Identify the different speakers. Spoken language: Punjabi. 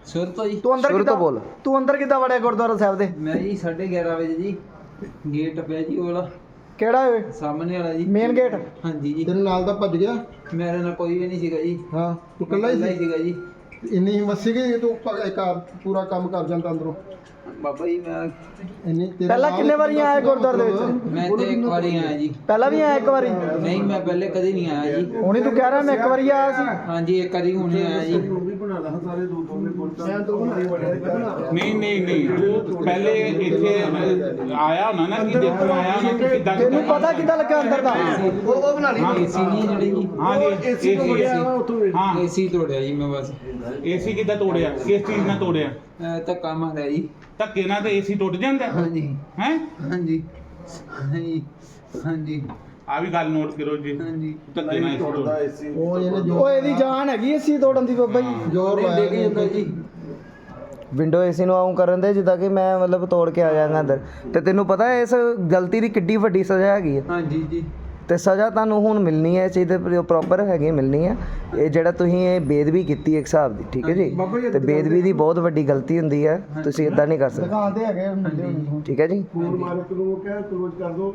Speaker 1: ਸੁਰ ਤੋਂ ਜੀ
Speaker 2: ਤੂੰ ਅੰਦਰ
Speaker 3: ਸ਼ੁਰੂ ਤੋਂ ਬੋਲ।
Speaker 2: ਤੂੰ ਅੰਦਰ ਕਿੱਦਾਂ ਵੜਿਆ ਗੁਰਦੁਆਰਾ ਸਾਹਿਬ ਦੇ?
Speaker 1: ਮੈਂ ਜੀ 11:30 ਵਜੇ ਜੀ ਗੇਟ ਪਿਆ ਜੀ ਉਹ ਵਾਲਾ
Speaker 2: ਕਿਹੜਾ ਓਏ?
Speaker 1: ਸਾਹਮਣੇ ਵਾਲਾ ਜੀ
Speaker 2: ਮੇਨ ਗੇਟ?
Speaker 1: ਹਾਂਜੀ ਜੀ।
Speaker 4: ਤੇਰੇ ਨਾਲ ਦਾ ਭੱਜ ਗਿਆ?
Speaker 1: ਮੇਰੇ ਨਾਲ ਕੋਈ ਵੀ ਨਹੀਂ ਸੀਗਾ ਜੀ।
Speaker 4: ਹਾਂ ਤੂੰ ਇਕੱਲਾ ਹੀ ਸੀ?
Speaker 1: ਸੀਗਾ ਜੀ।
Speaker 4: ਇੰਨੀ ਹਿੰਮਤ ਸੀ ਕਿ ਤੂੰ ਪੂਰਾ ਕੰਮ ਕਰ ਜਾਂਦਾ ਅੰਦਰੋਂ?
Speaker 1: ਬਾਬਾ ਜੀ ਮੈਂ
Speaker 2: ਪਹਿਲਾਂ ਕਿੰਨੇ ਵਾਰੀ ਆਇਆ ਗੁਰਦੁਆਰੇ ਦੇ ਵਿੱਚ?
Speaker 1: ਮੈਂ ਤੇ ਇੱਕ ਵਾਰੀ ਆਇਆ ਜੀ।
Speaker 2: ਪਹਿਲਾਂ ਵੀ ਆਇਆ ਇੱਕ ਵਾਰੀ?
Speaker 1: ਨਹੀਂ ਮੈਂ ਪਹਿਲੇ ਕਦੇ ਨਹੀਂ ਆਇਆ ਜੀ।
Speaker 2: ਹੁਣੀ ਤੂੰ ਕਹਿ ਰਿਹਾ ਮੈਂ ਇੱਕ ਵਾਰੀ ਆਇਆ ਸੀ।
Speaker 1: ਹਾਂਜੀ ਇੱਕ ਵਾਰੀ ਹੁਣੇ ਆਇਆ ਜੀ।
Speaker 5: ਨਹੀਂ ਨਹੀਂ ਨਹੀਂ ਤੂੰ ਪਹਿਲੇ ਇੱਥੇ ਆਇਆ ਹੋਣਾ ਨਾ ਕਿ ਦੇਖਣ ਆਇਆ ਹੋਣਾ ਕਿ ਕਿੱਦਾਂ
Speaker 2: ਤੈਨੂੰ ਪਤਾ ਕਿੱਦਾਂ ਲੱਗਾ ਅੰਦਰ ਦਾ?
Speaker 1: ਉਹ ਬਣਾ ਲਈ ਏਸੀ ਨਹੀਂ ਜਿਹੜੀ ਜੀ।
Speaker 5: ਹਾਂ ਜੀ ਏਸੀ ਹਾਂ
Speaker 1: ਏਸੀ ਤੋੜਿਆ ਜੀ ਮੈਂ ਬਸ।
Speaker 5: ਏਸੀ ਕਿੱਦਾਂ ਤੋੜਿਆ? ਕਿਸ ਚੀਜ਼ ਨਾਲ ਤੋੜਿਆ?
Speaker 1: ਧੱਕਾ ਮਾਰਿਆ ਜੀ।
Speaker 5: ਧੱਕੇ ਨਾਲ ਤੇ ਏਸੀ ਟੁੱਟ ਜਾਂਦਾ
Speaker 1: ਹਾਂਜੀ
Speaker 5: ਹੈ?
Speaker 1: ਹਾਂਜੀ ਹਾਂਜੀ ਹਾਂਜੀ
Speaker 5: ਆ ਵੀ ਗੱਲ ਨੋਟ ਕਰੋ ਜੀ।
Speaker 1: ਹਾਂਜੀ
Speaker 5: ਧੱਕੇ ਨਾਲ ਏਸੀ ਟੁੱਟਦਾ।
Speaker 4: ਉਹ ਇਹਨੇ
Speaker 2: ਓਏ ਇਹਦੀ ਜਾਨ ਹੈਗੀ ਏਸੀ ਤੋੜਨ ਦੀ ਬਾਬਾ ਜੀ।
Speaker 4: ਜ਼ੋਰ
Speaker 1: ਡਿੱਗ
Speaker 4: ਲਾਇਆ
Speaker 1: ਜਾਂਦਾ ਜੀ।
Speaker 3: ਵਿੰਡੋ ਏਸੀ ਨੂੰ ਆਉਂ ਕਰਨ ਦੇ ਜਿੱਦਾਂ ਕਿ ਮੈਂ ਮਤਲਬ ਤੋੜ ਕੇ ਆ ਜਾਣਾ ਅੰਦਰ। ਤੇ ਤੈਨੂੰ ਪਤਾ ਇਸ ਗਲਤੀ ਦੀ ਕਿੱਡੀ ਵੱਡੀ ਸਜ਼ਾ ਹੈਗੀ ਹੈ?
Speaker 1: ਹਾਂਜੀ ਜੀ।
Speaker 3: ਤੇ ਸਜ਼ਾ ਤੁਹਾਨੂੰ ਹੁਣ ਮਿਲਣੀ ਹੈ, ਇਸ ਚੀਜ਼ ਦੇ ਪ੍ਰੋਪਰ ਹੈਗੀ ਮਿਲਣੀ ਹੈ। ਇਹ ਜਿਹੜਾ ਤੁਸੀਂ ਇਹ ਬੇਦਬੀ ਕੀਤੀ ਇੱਕ ਹਿਸਾਬ ਦੀ, ਠੀਕ ਹੈ ਜੀ। ਤੇ ਬੇਦਬੀ ਦੀ ਬਹੁਤ ਵੱਡੀ ਗਲਤੀ ਹੁੰਦੀ ਹੈ, ਤੁਸੀਂ ਇਦਾਂ ਨਹੀਂ ਕਰ ਸਕਦੇ,
Speaker 4: ਦੁਕਾਨ ਤੇ ਹੈਗੇ ਮੁੰਡੇ
Speaker 3: ਠੀਕ ਹੈ ਜੀ।
Speaker 4: ਫੋਨ ਮਾਰ ਕੇ ਉਹ ਕਹਿ ਕਲੋਜ਼ ਕਰ ਦੋ।